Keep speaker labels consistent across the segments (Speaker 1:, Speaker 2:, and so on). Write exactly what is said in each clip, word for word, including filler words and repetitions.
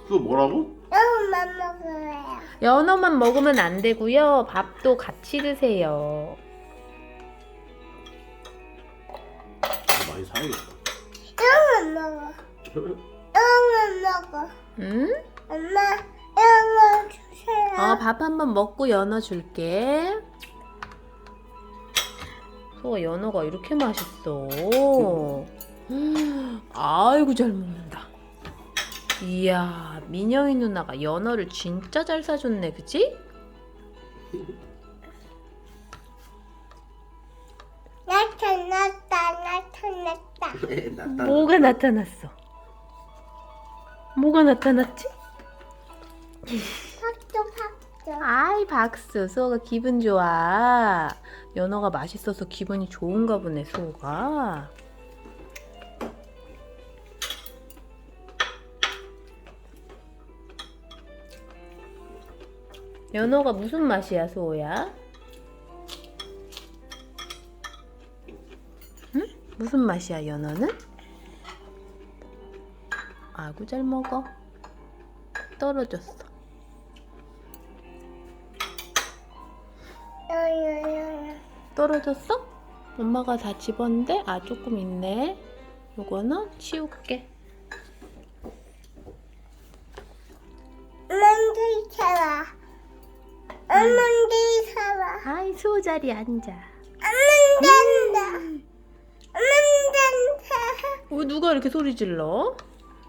Speaker 1: 또 뭐라고?
Speaker 2: 너무만 먹어요.
Speaker 3: 연어만 먹으면 안 되고요. 밥도 같이 드세요.
Speaker 1: 많이 사야겠다.
Speaker 2: 너무 먹어. 너무 먹어.
Speaker 3: 응?
Speaker 2: 엄마, 너무 주세요.
Speaker 3: 어, 밥 한 번 먹고 연어 줄게. 소가 연어가 이렇게 맛있어. 음, 아이고 잘 먹는다. 이야, 민영이 누나가 연어를 진짜 잘 사줬네, 그치?
Speaker 2: 나타났다, 나타났다.
Speaker 1: 나타.
Speaker 3: 뭐가 나타났어? 뭐가 나타났지?
Speaker 2: 박수, 박수.
Speaker 3: 아이 박수. 수호가 기분 좋아. 연어가 맛있어서 기분이 좋은가 보네, 수호가. 연어가 무슨 맛이야, 수호야? 응? 무슨 맛이야, 연어는? 아구 잘 먹어. 떨어졌어.
Speaker 2: 요요요.
Speaker 3: 떨어졌어? 엄마가 다 집었는데? 아, 조금 있네. 요거는 치울게.
Speaker 2: 엄마한테 살아. 엄마한테 살아.
Speaker 3: 아이, 수호 자리 앉아.
Speaker 2: 엄마한테 엄마한테
Speaker 3: 왜 누가 이렇게 소리 질러?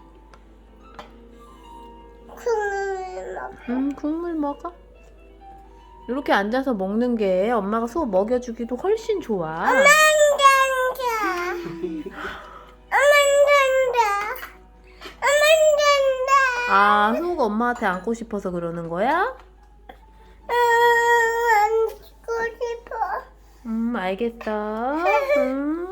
Speaker 2: 콩을 먹어.
Speaker 3: 음, 국물 먹어. 이렇게 앉아서 먹는 게 엄마가 수호 먹여주기도 훨씬 좋아.
Speaker 2: 엄마한테 엄마한테 엄마한테
Speaker 3: 아, 수호가 엄마한테 안고 싶어서 그러는 거야?
Speaker 2: 안고 싶어.
Speaker 3: 음, 알겠어. 음.